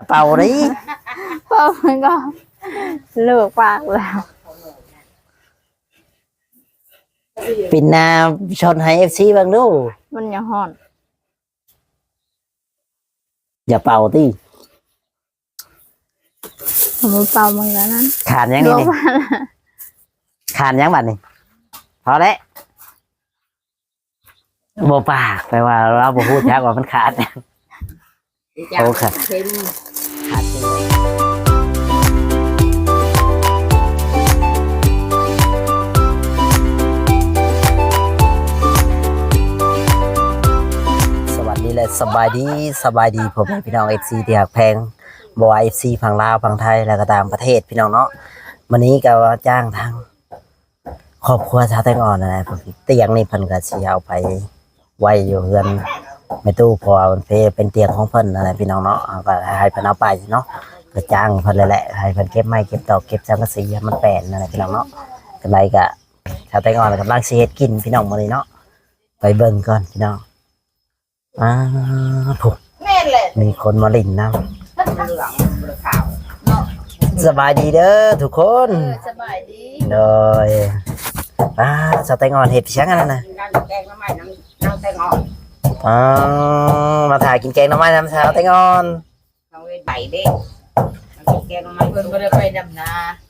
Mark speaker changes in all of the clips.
Speaker 1: เป่าดิ
Speaker 2: เป่ามันก็เลิกปากแล้ว
Speaker 1: ปินนาชนให้ FC บ้างดู
Speaker 2: มันยังห่อน
Speaker 1: อย่าเป่าติ
Speaker 2: มันเป่ามันก็นั้น
Speaker 1: ขาดยังนี่นี่ขาดยังบัดนี่พอแล้วบ่ปากแปลว่าเราบ่พูดยักว่ามันขาดโอ้ค่ะขาดจริงเลยสวัสดีและสบายดีผมพี่น้อง FC ที่หักแพงบ่ว่า FC ฝั่งลาวฝั่งไทยแล้วก็ต่างประเทศพี่น้องเนาะวันนี้ก็จ้างทางครอบครัวชาวแตงอ่อนนะผมเตียงนี่เพิ่นก็สิเอาไปไว้อยู่เฮือนแม่ตู้พอมันเป็นเตียงของเพิ่นอะไรพี่น้องเนาะก็ให้เพิ่นเอาไปเนาะก็จ้างเพิ่นเลยแหละให้เพิ่นเก็บไม้เก็บตอกเก็บสังกะสีให้มันแป้นอะไรพี่น้องเนาะกันไรก็ชาวแตงอ่อนกำลังสิเฮ็ดกินพี่น้องมื้อนี้เนาะไปเบิ่งก่อนพี่น้องถูกมีคนมาลิ่นน้ำสบายดีเด้อทุกคนสบายดีโดยสาวแตงอ่อนเห็ดเชียงอันนั้นนะแกงน้ำไม้น้ำแตงอ่อนมาถ่ายกินแกงน้ำไม้น้ำสาวแตงอ่อนเอาไปใบเด้แกงน้ำไม้เพิ่นบ่ได้ไปดำนา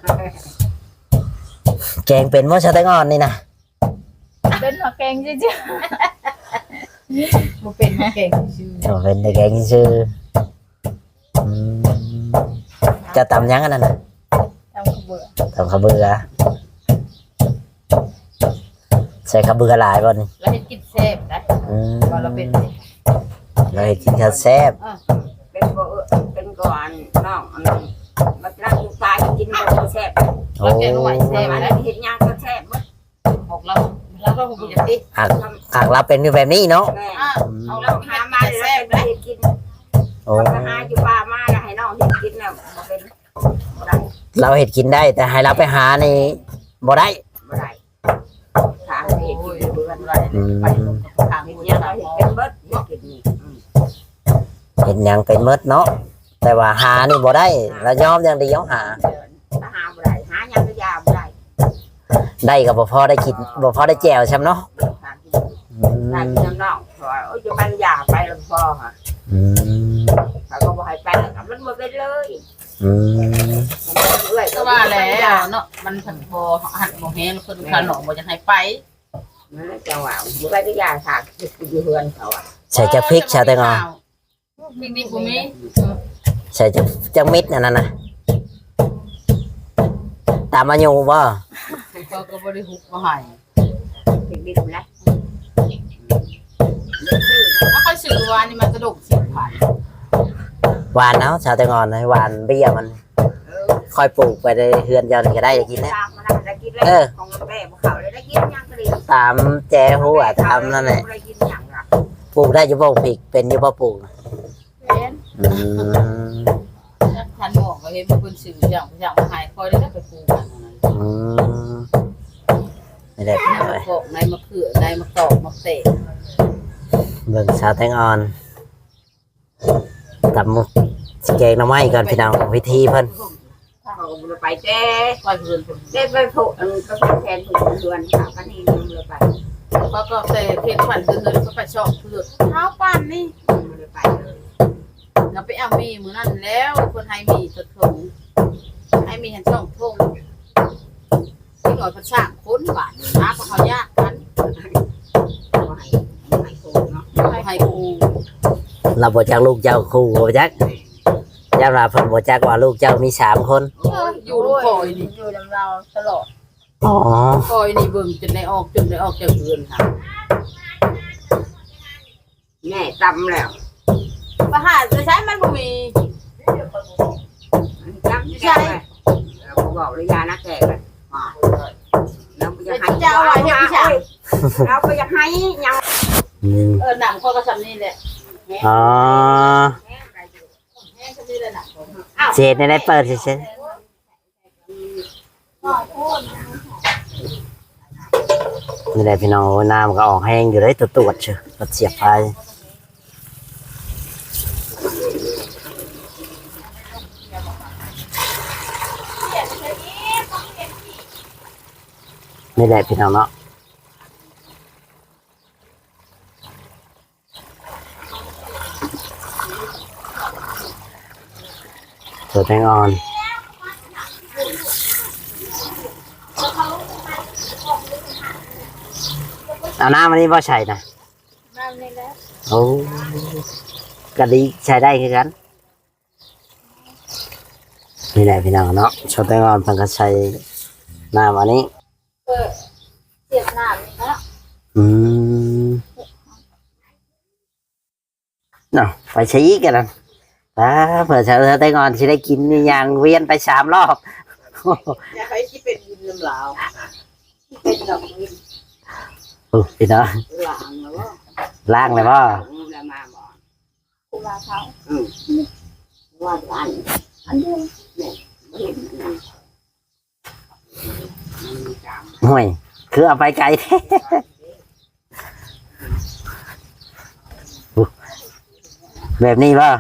Speaker 1: แกงเป็นว่าสาวแตงอ่อนนี่นะ
Speaker 2: เป็นมาแกงจริงๆมันเป็นมาแกงชื่อ
Speaker 1: เป็นแกงชื่อจะตำยังอันนั้นนะตำข้าวเบื่อใส่ข้าวเบื่อหลายบ่นี่
Speaker 3: เราเห็นกินแซ่บนะเราเป็น
Speaker 1: เราเห็นกินข้าวแซ่บ
Speaker 4: เป็นก่อนน้องมันรักตายกินมันแซ่บ
Speaker 3: เราแกงหน่อยแซ่บ
Speaker 4: อัน
Speaker 3: นะ
Speaker 4: นี้เห็นยางก็แซ่บมั้ง
Speaker 3: ของเราก็คงจะติด
Speaker 1: หากเราเป็นแบบนี้เนาะ
Speaker 4: แม่เอาเราหามาแซ่บได้กินเราหาอยู่ป่ามาให้น้องเห็นกินแล้วเป็น
Speaker 1: เราเห็ดกินได้แต่ให้เราไปหานี่บ่ได้
Speaker 4: บ่ได้ทางเห็ดกินเบื่อไปทางเนี้ยเราเห็ดเป็นเบิดกินนี่
Speaker 1: เห็นยังเป็นมดเนาะแต่ว่าหานี่บ่ได้เรายอมอย่างเดียวหา
Speaker 4: หาบ่ได้หายังก็ยาบ่ได้
Speaker 1: ได้ก็บ่พอได้กินบ่พอได้แจ่วช้ำเนาะ
Speaker 4: ทางกินน้องเพราะว่าจะมันยาไปแล้วพอค่ะเขาก็บ่ให้ไปมันบ่เป็นเลย
Speaker 3: ก็ว่าแล้วเนาะมันผันพอหันโมเฮนคนขนมบ่จะให้ไป
Speaker 4: จังหวะบ่ไปก็ยาถากอยู่เฮือนเขาอ่ะ
Speaker 1: ใส่จักพริกชาแตงอ่อน
Speaker 3: พริกนี่บ่มี
Speaker 1: ใส่จักมิดนั่นน่ะตามมาอยู่บ่
Speaker 3: ก็บ่ได้ฮุบบ่ให้
Speaker 4: พริกดิบนะ
Speaker 3: ถ้าค่อยซื้อวานนี่มันกระดก10,000
Speaker 1: หวานเนาะชาแตงอ่อนหวานเบี้ยมันค่อยปลูกไปในเฮือนเจ้านี่ก็ได้จะกินแล้ว
Speaker 4: ของแม่บ่เขาได้กินยังก็ดี
Speaker 1: ตามแจหัวตามนั่นแหละปลูกได้อยู่บ่พริกเป็นอยู่บ่ปลูก
Speaker 3: เป็นท่านบอกว่าเห็นเพิ่นซื้ออย่างมาให้ค่อยได้ไปปลูก
Speaker 1: ไม่ได้ไปเลย
Speaker 3: พวกในมะเขือในมะกอกมะเตะ
Speaker 1: เบิ่งชาแตงอ่อนตำแกงหน่อไม้ก่อนพี่น้องวิธีเพิ่น
Speaker 4: เขาก็ไปเจ้ไปผูกก็แทนผูกเดือนค่ะกันนี่เลยไป
Speaker 3: ก็เตะเพชรฝันเดินก็ไปชอบเลือดเท้าปั่นนี่
Speaker 4: เลยไปเลย
Speaker 3: เราไปเอามีมือนั่นแล้วคนให้มีสดถุงให้มีหันช่องทุ่งที่หน่อยภาษาคุ้นบ้านนะเพราะเขายากกันให้ครู
Speaker 1: เราบ่จักลูกเจ้าครูบ่จักยามราเพิ่นบ่จักว่าลูกเจ้ามี3คน
Speaker 3: อยู่ลูกคอยนี่
Speaker 2: อยู่ลำเราตลอด
Speaker 3: คอยนี่เบิ่งจนได้ออกจากเรือนค่ะ
Speaker 4: แม่ตำแล้ว
Speaker 3: ประหารจะใช้มันบ่มี
Speaker 4: จำใช่เราบอกเลยยานักแก่กันเราไปให้
Speaker 3: เจ้าไว้ให้พี่ชาย
Speaker 4: เราไปให้ยัง
Speaker 3: หนังข้อก็ทำนี่แหละ
Speaker 1: เศษในเปิดเฉยนี่แหละพี่น้องน้ำก็ออกแห้งอยู่ได้ตรวจเชียวเสียบไปนี่แหละพี่น้องเนาะตัวแตงอ่อนเอาน้ำมันนี่บ่ใช่นะ
Speaker 2: น้ำนี่แหละ
Speaker 1: โอ้กะดีใช้ได้คือกันนี่แหละพี่น้องเนาะชดแตงอ่อนเพิ่นก็ใช้น้ำอันนี้
Speaker 2: เสียบน้ำนี่นะ
Speaker 1: อืมเนาะไปใช้อีกกันนะเผื่อเธอได้งอนสิได้กินนี่ยังเวียนไป3 รอบ
Speaker 3: อยากให้ที่เป็นวินลำลาวที่เป็นดอกวิน
Speaker 1: พี่น้อง
Speaker 3: หลางแล้วว่า
Speaker 1: ล่างเลยป่ะ
Speaker 4: แล้วมาบ่
Speaker 2: กูมาเขา
Speaker 4: ว่าอัน
Speaker 2: อันเดียว
Speaker 4: บ่เห็นมันมีจาม
Speaker 1: ห่วยคือเอาไปไกลแท้ แบบนี้ป่ะ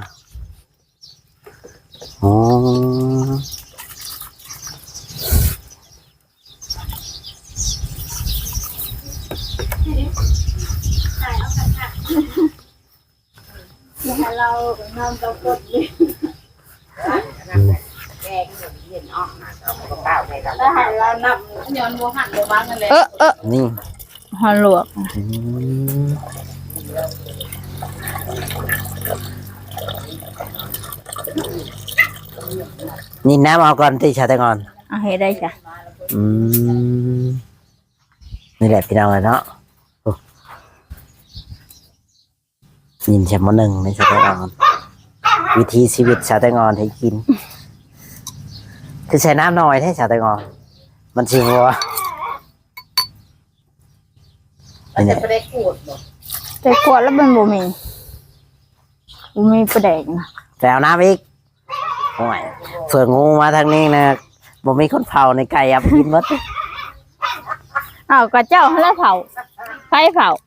Speaker 1: อ๋อ
Speaker 2: อย่าให้เรานอนกับกดเลย
Speaker 4: แกงเย็นออกมาเอากระเป๋าให้เรา
Speaker 2: แล้วให้เรานับ
Speaker 3: ย้อนโมหันโมบ้างกันเลย
Speaker 1: นี่
Speaker 2: หอลวก
Speaker 1: อืมนี่น้ำเอาก่อนที่ชาแตงอ่อน
Speaker 2: เอาให้ได้จ้ะ
Speaker 1: อืมนี่แหละพี่น้องเลยเนาะโอ้ยินแชมป์หนึ่งในชาแตงอ่อนวิธีชีวิตชาแตงอ่อนให้กิน คือใช้น้ำน้อยให้ชาแตงอ่อนมันชิงวัว
Speaker 3: เราจะไปได้ขูดบ่
Speaker 2: แต่ขวดแล้วมันบ่มีประแดกนะ
Speaker 1: แต่เอาน้ำอีกโอ้ยเผื่องูมาทางนี้นะบ่มีคนเผาในไก่อับกินหมด
Speaker 2: อ้าวก็เจ้าให้แล้วเผาไฟเผา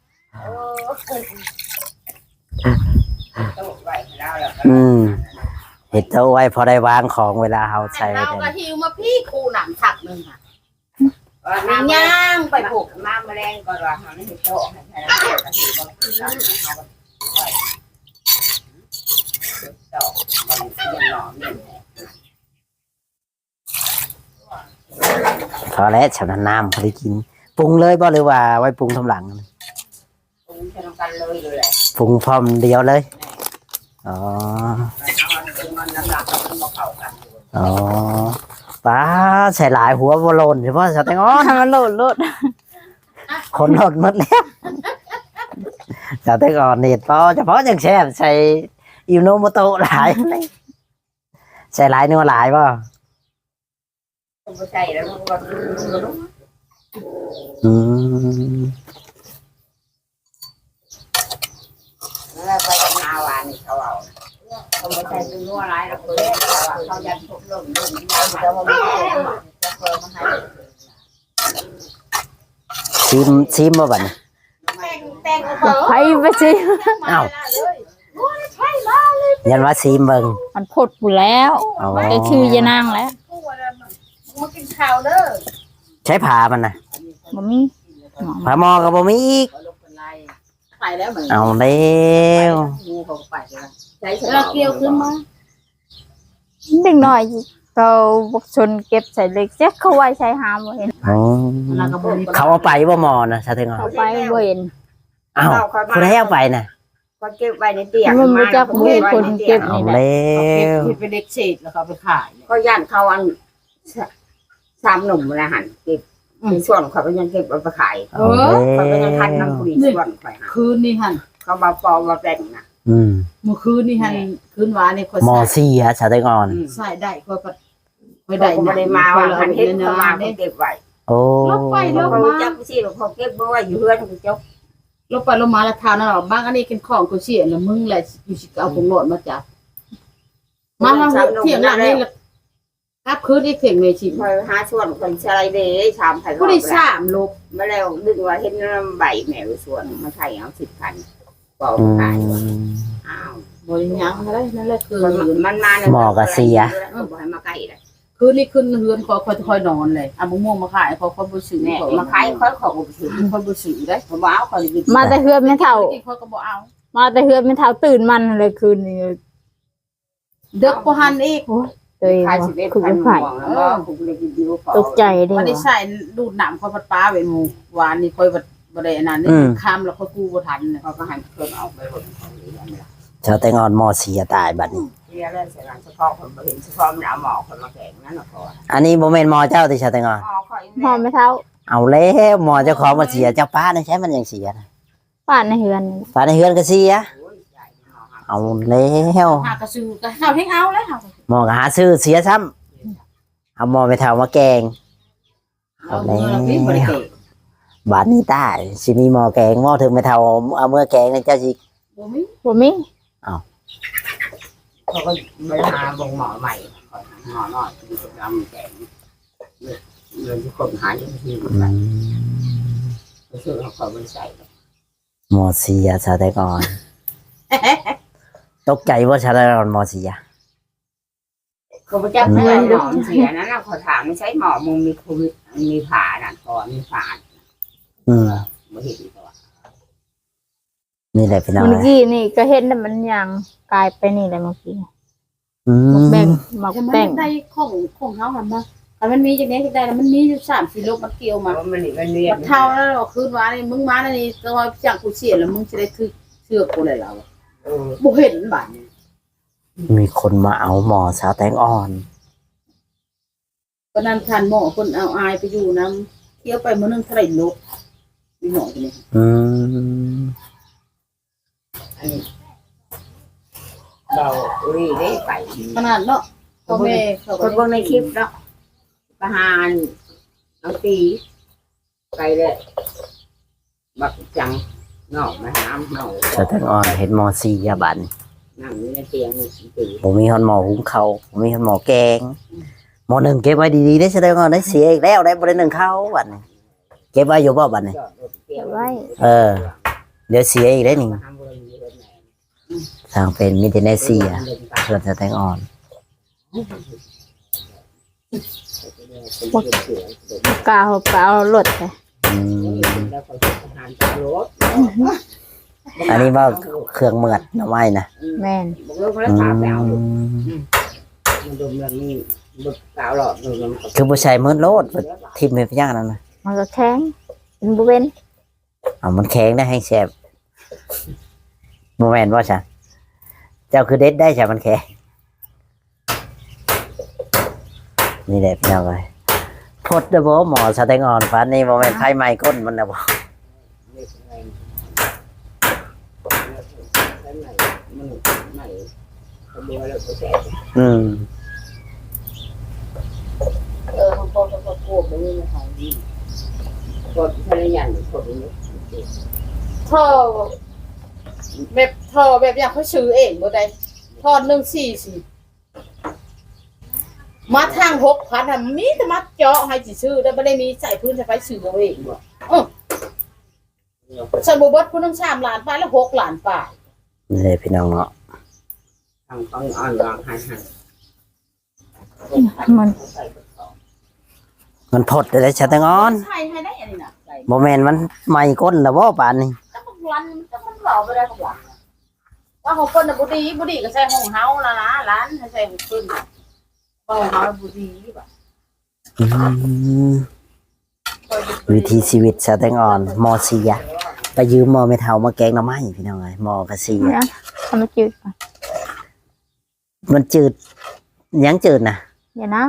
Speaker 4: ตู้ไว้แล้วแล้ว
Speaker 1: เห็ดเอาไว้พอได้วางของเวลาเขาใช้
Speaker 3: เรา
Speaker 1: เนี่ย
Speaker 3: ก็หิวมาพี่ครูหนังฉักหนึ่งค่ะ
Speaker 4: มี
Speaker 3: มี
Speaker 4: ย่า
Speaker 3: ย่างไปปลูก
Speaker 4: มาแมลงก่อนว่าเฮานี่โตให้ใช้แล้วก็ถือว่าคือเราเอาโตมันยังหล่อเนี่ย
Speaker 1: พอแล้วฉันน้ำพอได้กินปรุงเลยบ่หรือว่าไว้ปรุงทำหลัง
Speaker 4: ปรุงใช้กันเลยเลยแหละ
Speaker 1: ปรุงพร้อมเดียวเลยอ๋อ
Speaker 4: มันน้ำหนักมันบ่เข้ากัน
Speaker 1: อ๋อป้าใส่หลายหัวบอลนเฉพาะสเต็งอ้อน
Speaker 2: ให้มันโหลด
Speaker 1: คนหลดหมดแล้วสเต็งอ่อนเน็ตพอเฉพาะอย่างแซ่บใส่อิวโนโมโตะหลายใส่หลายนัวหลายป่ะ
Speaker 4: ต้องไปใส่แล้วมันก็
Speaker 1: อืม
Speaker 4: แล้วไปกับนาวานี่เขาเอาเขาไม่ใช่เป็นนัวร้ายแล้วเขาเขายันพวกลมลมแล้วมันไม่ได้จะเพิ่มมาให้
Speaker 1: ชิมมาบัดนี้
Speaker 3: แต่งเบอร์
Speaker 2: ไฟไปสิ
Speaker 1: อ้าว ยันว่าชิมเบิ่ง
Speaker 2: มันพดอยู่แล้ว
Speaker 1: อ๋อ
Speaker 2: ได้ชื่อยานางแล้ว
Speaker 3: มากินข้าวเด้อ
Speaker 1: ใช้ผ่ามันนะ
Speaker 2: บ่มี
Speaker 1: ผ่าหมอกับบ่มีอีก
Speaker 3: ไปแล้วเหมือน
Speaker 1: เอาแล้ว
Speaker 3: งูเขาไปแล้ว
Speaker 4: ใช้
Speaker 3: เราเกี่ยวขึ้นมา
Speaker 2: เด็กน้อยเขาบุกชนเก็บใส่เล็กเจ๊เขาไว้ใช้หามบ่เห็น
Speaker 1: อ๋อ
Speaker 3: เราก็บ่มี
Speaker 1: เขาเอาไปบ่หมอนะสเต็งอ่อน
Speaker 2: เขาไปบ่เห็น
Speaker 1: อ้าวคุณให้เอาไปนะ
Speaker 4: ก็เก็บไว้ในเตียง
Speaker 2: มันรู้จักบ่เห็นคนเก็บ
Speaker 1: เอา
Speaker 2: นี่แหละ
Speaker 1: แล้ว
Speaker 3: เก็บเป็นเด็กเศษแล้วเขาไปขาย
Speaker 4: ก็ย่านเขาอันสามหนุ่มนะหันเก็บในส่วนเขาก็ยังเก็บเอาไปขาย
Speaker 1: เอาแล้
Speaker 4: เขาก็ยังทัน
Speaker 1: ว
Speaker 4: น้ำผลิตส่วนข่อยหา
Speaker 3: คืนนี่หัน
Speaker 4: เขามาปอมาแบ่งนะ
Speaker 1: อืม
Speaker 3: เมื่อคืนนี่หันคืนวานนี่คน
Speaker 1: หมอเสียสเต็งอ่อน
Speaker 3: ใส่ได้ก็ไป
Speaker 4: ได้
Speaker 3: ได้
Speaker 4: ไม่ได้มาว่าหันเห็นเขามาเขาเก็บไว้
Speaker 1: โอ้
Speaker 3: ลบไปลบ
Speaker 4: เขา
Speaker 3: มา
Speaker 4: จับสิเขาเก็บไว้อยู่เพื่อนเขาจก
Speaker 3: ลบไปลบมาแล้วทานนั่นหรอบางอันนี้เป็นของกูเสียแล้วมึงแหละอยู่สิเอาของโหลดมาจับมาทางเที่ยงหลังนี่แล้วครับคืนอีกเที่ยงเมชิ
Speaker 4: คอยหาส่วนคนชายเดย์ชามไผ่
Speaker 3: ผู้ได้3ลบ
Speaker 4: มาแล้วดึงว่าเห็นใบแมวส่วนมาไทยเอา10,000บอก
Speaker 1: อื
Speaker 4: ขาย
Speaker 1: ม
Speaker 4: อ้าว
Speaker 3: บริยังอะไรนั่นแหละคือ
Speaker 4: มันมาบอกให้มาใกล้เลย
Speaker 3: คืคืนนี้ขึ้นเฮือนคอยนอนเลยเอามะม่วงมาขายเขาบ่ซื้อ
Speaker 4: แม่
Speaker 3: เขา
Speaker 4: มาขายค่อยของบ่ซื้อ
Speaker 3: เขาบ่ซื้อได้
Speaker 4: บ่เอาเขาเลย
Speaker 2: มาแต่เฮือนไม่เท่า
Speaker 3: เขาก็บ่เอา
Speaker 2: มาแต่เฮือนไม่เท่าตื่นมันเลยคืนนี้
Speaker 3: เด็กบ่หันอีก
Speaker 2: โอ้ยตัวเอง
Speaker 4: ขาย
Speaker 2: ว่า
Speaker 4: สิเอ็ด
Speaker 2: คือ
Speaker 4: พัน
Speaker 2: ไผ่
Speaker 4: ห่วงแล้วก็ผมเลยกินดิว
Speaker 2: ตกใจเด้
Speaker 3: มันได้
Speaker 2: ว่ะ
Speaker 3: ใส่ดูดน้ำเขาพัดป้าไว้หมู่วานนี่ค่อยบ่ได้อันนั้นนี่ข้ามแล้วค่อยกู้บ่ทันเนี่ย
Speaker 4: เขาก็ให้เพิ่นเอาไปหมดของนี้นั่นแหละ
Speaker 1: ชาวแตงอ่อนมอเสียตายบัดนี้
Speaker 4: เรียกแล้วเสียงเฉพาะคนบ่เห็นเฉพาะมันเอาหมอคนมาแข่งนั่นน่ะพอ
Speaker 1: อันนี้บ่แม่นมอเจ้าที่ชาวแตงอ่อน
Speaker 4: หมอคอย
Speaker 2: พอไม่เท่า
Speaker 1: เอาแล้วมอเจ้าของมาเสียเจ้าป้านี่ใช้มันยังเสียนะ
Speaker 2: ป้านในเฮือน
Speaker 1: ป้าในเฮือนก็เสียเอาแล้ว
Speaker 3: หากระซื้อก็เฮาให้เอาแล้วเฮา
Speaker 1: หมอก็หาซื้อเสียซ้ำเอาหมอไปเท่ามาแกง
Speaker 3: เอาเงินเราพี่บ่ได้เตะ
Speaker 1: บาดนี้ตายสิมีหมอแกงหมอถึงไปเท่าเอาเมื่อแกงนี่เจ้าสิ
Speaker 3: บ่มี
Speaker 2: บ่มี
Speaker 4: เขาก็ไปหาบ่งหมอใหม่หมอน้อยที่จะทำแข่งเงินที่คนหาอยู่ที่มันไปซื้อเขาก็บ่ใส่
Speaker 1: หมอเสียชาวแตงอ่อนตกใจว่าชาวแตงอ่อนหมอเสีย
Speaker 4: เขาไปจับเงินหมอเสียนั้นเขาถามไม่ใช่หมอมึงมีโควิดมีผ่านั่นก่อนมีผ่า
Speaker 1: อืม
Speaker 4: บ่เห็นตัว
Speaker 1: นี่แหละพี่น้อง
Speaker 2: เมื่อกี้นี่ก็เห็นแต่มันยังกลายไปนี่แหละเมื่อกี้
Speaker 1: อื
Speaker 2: หมก
Speaker 1: ม
Speaker 2: แบ่งหมก
Speaker 3: แต่มัน
Speaker 2: แป้ง
Speaker 3: ได้ของเฮาหั่นมาแต่มันมีจังได๋ได้แล้วมันมีอยู่3-4โลมันเกี่ยวมา
Speaker 4: มันนี่มันเรีย
Speaker 3: มัน นเท่าแล้วเราคืนวานนี่มึงมาแล้วนี่ก็ว่าจังกูเสียแล้วมึงสิได้คือเชื่อกูเลยแล้วบ่เห็นบาดนี้
Speaker 1: มีคนมาเอาหมอชาวแตงอ่อน
Speaker 3: ก็นั่นคันหมอคนเอาอายไปอยู่นํเที่ยวไปมื้อนึงเท่าไหร่โลมีหมอคนนี้
Speaker 1: อืม
Speaker 4: เราอุ้ยได้ไป
Speaker 3: ขนาดเนาะพ่อแม่เขา
Speaker 4: ค
Speaker 3: ก็
Speaker 4: นพวกในคลิปเนาะประหารเอาตีไปเลยบักจังนอกมาหามเนา
Speaker 1: ชาวแตงอ่อนเห็นหมอเสียบัดนี้
Speaker 4: นั่งอยู่ในเตียงตี
Speaker 1: ผมมีฮอนหมอหุงเขาวผมมีฮอนหมอแกงหมอหนึ่งเก็บไว้ดีๆได้แสดงว่าได้เสียอีกแล้วได้บริหนึ่งเขาบัดนี้เก็บไว้อยู่บ่บัดนี้
Speaker 4: จอดรถเตียง
Speaker 2: ไว้
Speaker 1: เออ เดี๋ยวเสียอีกได้หนึ่งทางเป็นมิเตเนเซียเพื่อนจะแตงอ่อน
Speaker 2: กาวเปล่าหลดไป
Speaker 1: อืม
Speaker 4: แล้วก็ประหารตารถ
Speaker 1: อันนี้ว่าเครื่องเมือดหน่อไม้นะ
Speaker 2: แม่น
Speaker 4: บอกเลิกแล้ว
Speaker 1: อื
Speaker 4: พาไปเอา
Speaker 1: ม
Speaker 4: มันดมแล้วมีบึกสาวหลอดดูมัน
Speaker 1: คือผู้ชายมืดโลดทิมไปพยางนั่นนะ
Speaker 2: มันก็แข็งเป็นบ่เป็น
Speaker 1: เอามันแข็งได้ให้แสบโมเมนต์ว่าใช่เจ้าคือเด็ดได้ใช่มันแข็งนี่แหละพี่น้องเลยพดเดบหมอสแตงอ่อนฟันนี่โมเมนต์ไฟไหม้ก้นมันนะบ่ อืม
Speaker 4: มันก็ควบไปนี่นะคะกดภรรยาหรือกดนี้
Speaker 3: ท่อแบบอย่างเขาซื้อเองบ่ได้ท่อ144มาทาง6,000น่ะมีแต่มาเจาะให้สิซื้อได้บ่ได้มีใส่พื้นใส่ไฟซื้อเอาเองบ่ฉันบ่เบิดผู้นึง3ล้านไปแล้ว6ล้านไป
Speaker 1: นี่เลยพี่น้องเนาะ
Speaker 4: ทางต้องอ่อนวางให้
Speaker 2: มัน
Speaker 1: มันพดเลยสแตงอ่อน
Speaker 3: ใช่ให้ได้อันนี้น่ะใส่
Speaker 1: โมเมนต์มันไหม้ก้นแล้วบ่ป่านนี้
Speaker 3: ถ้ามันรันถ้ามันเว้าบ่ได้ก็ว่าว่าของเพิ่นน่ะบ่ดีก็ใส่ห้องเฮาล่ะนะร้านให้ใส่ของเพิ่นน่ะห้องเฮาบ่ดีบ่
Speaker 1: อืมวิธีชีวิตสแตงอ่อนมอเสียไปยืมมอไม่เท่ามาแกงหน่อไม้พี่น้องเลยมอกระเสีย
Speaker 2: นะทำมาจืดก่อน
Speaker 1: มันจืดยังจืดนะ
Speaker 2: อย่านะ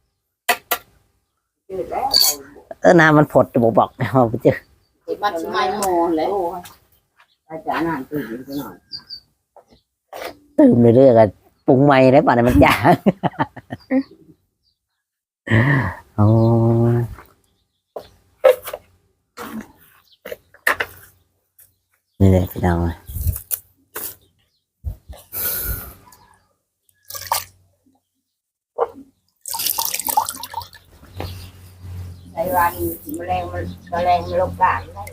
Speaker 4: จืดแล้ว
Speaker 1: น้ำมันผดจะบอกว่ามันจืด
Speaker 3: มันสิมาหมอแหละ
Speaker 4: อาจารย์อ่านตื่นนิดหน่อย
Speaker 1: ตื่นเรื่อยๆกันปรุงใหม่ได้ป่ะเนี่ยมันจ้าโอ้นี่เลยพี่น้องเลย
Speaker 4: ในวันแมลงมันลงกลางได้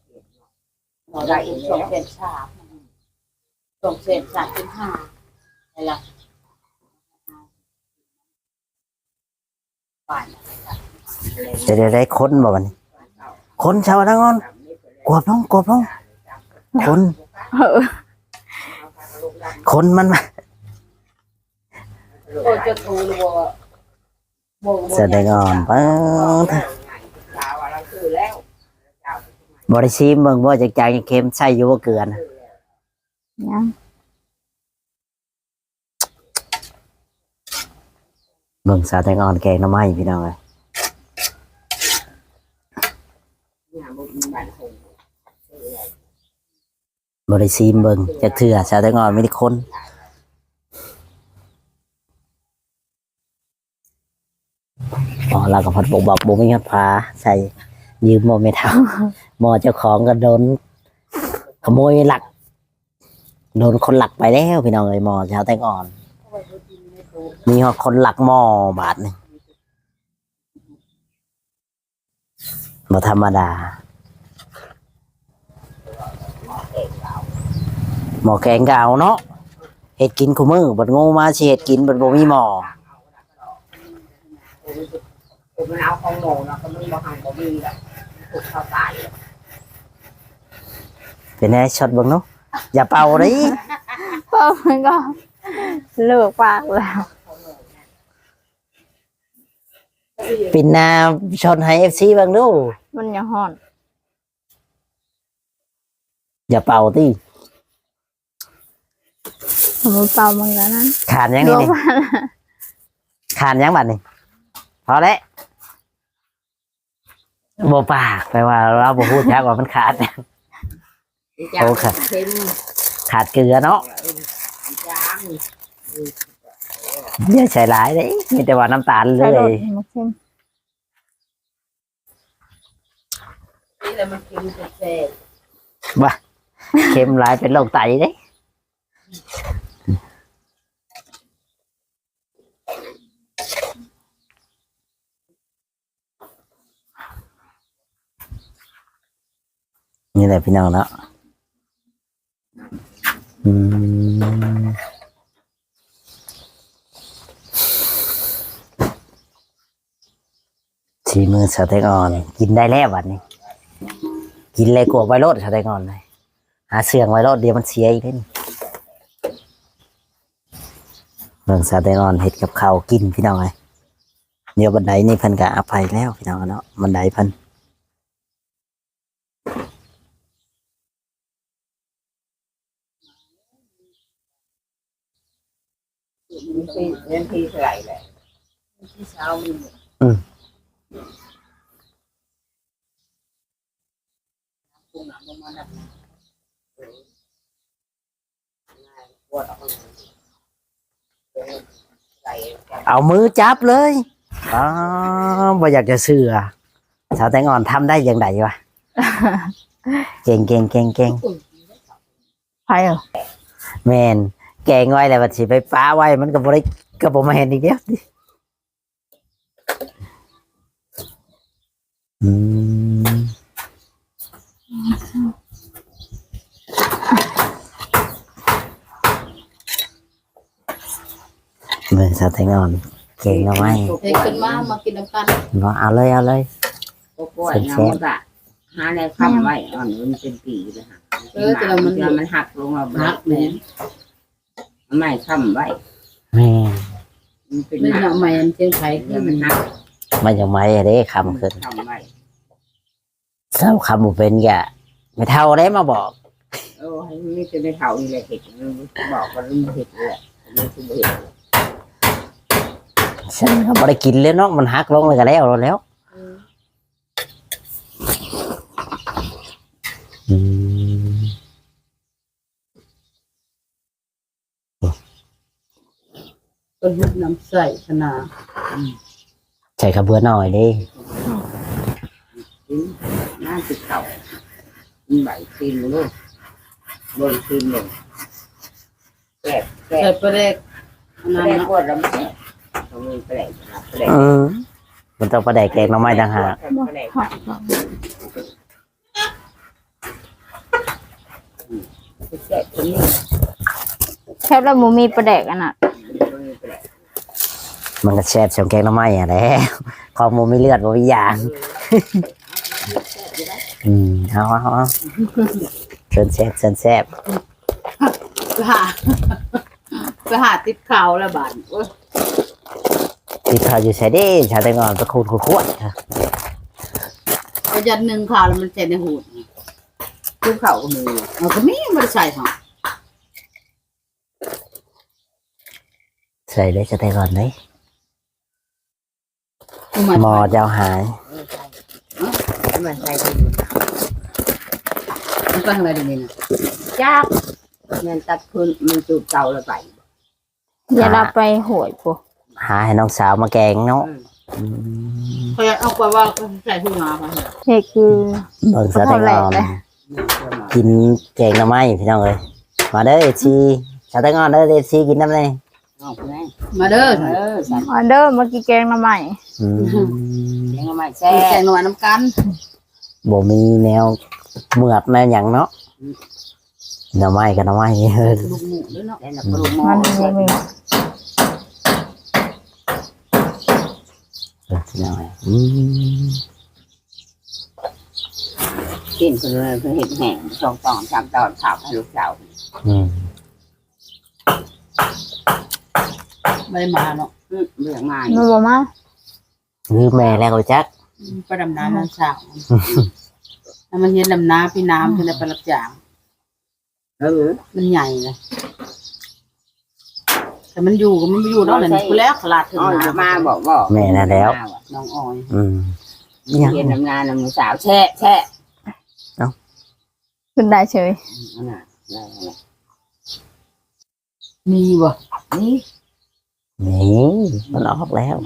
Speaker 3: หมอได้อีก2,300 2,300เป็น5 อะไรป่าน
Speaker 1: เดี๋ยวได้คนบ่วันนี้คนชาวทั้งอนกวบลงคน
Speaker 2: เออ
Speaker 1: คนมันมา
Speaker 3: โอ้จะทูหรือบ่
Speaker 1: แสดงอ่อนเปิ้ง
Speaker 4: ชาวเราซื้อแล้ว
Speaker 1: บริซีมเบิ่งบ่จักจางจักเค็มใส่อยู่บ่เกลือนะ
Speaker 2: ยัง
Speaker 1: เบิ่งสาวแตงอ่อนแกงหน่อไม้พี่น้องเอ้ย
Speaker 4: เนี่ยบุญบ้านคง
Speaker 1: บริซีมเบิ่งจักเทื่อสาวแตงอ่อนมีแต่คนอ๋อเราก็พัดบอกบ่มีเงินพาใส่ยืมบ่ไม่เท่าหมอเจ้าของก็โดนขโมยหลักโดนคนหลักไปแล้วพี่น้องเอ้ยหมอสาวแตงอ่อน มีคนหลักหม้อบาทหนึงบ่ธรรมดาหม้อแกงก็เอาเนาะเฮ็ดกินคู่มื้อบัดงูมาสิเฮ็ดกินบัดบ่มีหม้อ
Speaker 4: มันเอาของโมนะก็มันบ่หันบ่มีแบบถูกเข้าตาย
Speaker 1: เป็นไงช็อตเบิ่งเนาะอย่าเป่าเด้
Speaker 2: เพิ่มมันก็เลิกปากแล้ว
Speaker 1: ปินหน้าช็อตให้ FC เบิ่งดู
Speaker 2: มันยังห่อน
Speaker 1: อย่าเป่าติ
Speaker 2: มันเป่ามันก็นั้น
Speaker 1: ขาดยังนี่นี่ขาดยังบัดนี่พอแล้วบ่ปากแปลว่าเราบ่พูดจักว่ามันขาด โอ้ค่ะ
Speaker 4: เค็ม
Speaker 1: ขาดเกลือเนาะ
Speaker 4: จาง
Speaker 1: อย่าใส่หลายเด้มีแต่ว่าน้ำตาลเล
Speaker 2: ใส่รส
Speaker 1: ย
Speaker 2: มันเค็ม
Speaker 3: นี่แหละมันกินแซ่บ
Speaker 1: ว่าเค็มหลายเป็นโรคไตเด้นี่แหละพี่น้องเนาะอืมสีมือสเต็กอ่อนกินได้แล้ววันนี้ กินเลยกลัวไวรัสสเต็กอ่อนเลยหาเสื่องไวรัสเดี๋ยวมันเสียอีกเล่นเรื่องสเต็กอ่อนเห็ดกับข้าวกินพี่น้องไงเดี๋ยวบันไดนี่เพิ่นก็อภัยแล้วพี่น้องเนาะบันไดเพิ่น
Speaker 4: เงินที่เท่าไหร่แหละที่เช้ามีปุ่งหนังประมาณนั้นปวดออกใส่
Speaker 1: เอามือจับเลยอ๋อบ่อยากจะเชื่อสาวแตงอ่อนทำได้อย่างไรวะ เก่ง
Speaker 2: ไผ่เหรอ
Speaker 1: แมนแกงไว้แล้วบัดสิไปป้าไว้มันก็บ่ได้ก็บ่มาเห็นอีกเดียวดิอืมเบิ่งสาวแตงอ่อนเก่งเอาไว้
Speaker 3: เฮ้ยขึ้นมากินน้ำกัน
Speaker 1: บ่เอาเลย
Speaker 4: ก็ปวดน้ำตาหาในคำไว้อ่อนมันเป็นปีเลยค่ะมันหักลงมา
Speaker 3: หักแหม่
Speaker 4: ไม่คำไว้
Speaker 1: แม่
Speaker 4: มันเป็น
Speaker 3: ไม่
Speaker 4: หัก
Speaker 3: เนาะแม่นเชียงไผ
Speaker 4: เดี๋ยวมันหัก
Speaker 1: มันจะไม่เด้คำขึ้น
Speaker 4: คำไว้
Speaker 1: เศร้าคำบ่เป็นกะไม่เท่าได้มาบอก
Speaker 4: เออให้ไม่จะได้เท่านี่แหละเห็ดบอกว่ามันเห็ดเลยมันคือเห็ด
Speaker 1: ฉันก็บ่ได้กินเลยเนาะมันหักลงเลยก็แล้ว อืม
Speaker 3: ต้นหุบน้ำใส่ขนาด
Speaker 1: ใส่กระเบือหน่อยดิ
Speaker 4: น่าติดเข่าใบตีนลูกบนตีนลงแกะ
Speaker 3: ใส่ปลาแดกอันนั้น
Speaker 4: แกะ
Speaker 3: เนาะ
Speaker 4: ปวดแล้วมันต้องมีแปลกแปลก
Speaker 1: มันต้องประแดกแกงหน้ำไม้ต่างหาก
Speaker 4: แปลก
Speaker 2: ห่อน
Speaker 4: แกะตัวนี้
Speaker 2: แค่เราบ่มีประแดกอันน่ะ
Speaker 1: มันก็แซ่บชมแกงหน้ำไม้อะแหละของหมูไม่เลือดบ่มีอย่างเอาเชิญแซ่บ
Speaker 3: ไปหาติดข่าวแล้วบาดโอ้ย
Speaker 1: ที่เขาอยู่ใช้ได้ชาแตงอ่อนตะคูนขวด
Speaker 3: เอายันหนึ่งข่าวแล้วมันใส่ในหูดทุกข่าวก็มีเอาก็มีมันใส่หรอ
Speaker 1: ใส่ได้ชาแตงอ่อนไหม
Speaker 3: ทำไม
Speaker 1: หมอเจ้าหาย
Speaker 4: มันใส่
Speaker 3: มันก็ทำอะไรดีนี่นะ
Speaker 4: ยากมันตัดพื้นมันจูบเตาแล้วไป
Speaker 2: อย่าเราไปโหยพวก
Speaker 1: หาให้น้องสาวมาแกงเนาะ
Speaker 3: เขาจะเอาไปว่าเขาใส่ถุงมาไป
Speaker 2: เฮ้คือ
Speaker 1: เบิ่งชาแตงอ่อนกินแกงหน้ำไม้พี่น้องเลยมาเด้อเอซีชาแตงอ่อนเด้อเอซีกินน้ำเลย
Speaker 4: เอาไป
Speaker 3: มาเด้อ
Speaker 4: สั่น
Speaker 2: ออเดอร์มากินแกงหน่อไม้
Speaker 4: ยังไม่แซ่
Speaker 3: แกงหน่อยน้ำกัน
Speaker 1: บ่มีแนวเหมือกแนวหยังเนาะหน้ำไม้กับหน้ำไม้
Speaker 3: ลูกหมูด้วยเนาะ
Speaker 4: แล้วปรุงหม้อ
Speaker 2: มันบ่มี
Speaker 1: พี่น้องเลย
Speaker 4: กินคือเห็ดแห้ง2 ตอน 3 ตอนข้าวให้ลูกสาว
Speaker 3: ไม่ได้มาเนาะ
Speaker 4: เรื่องง่าย
Speaker 2: มันบ่มา
Speaker 1: คือแม่แล้วก็จัก
Speaker 3: ไปดำน้ำน้ำสาวแล้วมันเย็นดำน้ำพี่น้ำคือในประลับจางมันใหญ่เลยแต่มันอยู่ก็มันไม่อยู่เนาะเลยกูแล้วขลาดถึง
Speaker 4: อ้อย
Speaker 3: น้ำ
Speaker 4: มาบอก
Speaker 1: แม่นั่นแล้ว
Speaker 3: น้องออย
Speaker 4: เย็นน้ำงานน้ำสาวแช่
Speaker 2: ขึ้นได้เฉย
Speaker 3: มีบ่
Speaker 4: นี่
Speaker 1: นี่มันออกแล้ว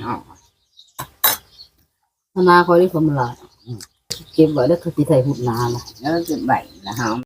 Speaker 3: ธนาคอยได้ความหลาดเก็บไว้แล้วเขาจะใส่หุ่นนาละ
Speaker 4: แล้วจุดใบแล้วหอม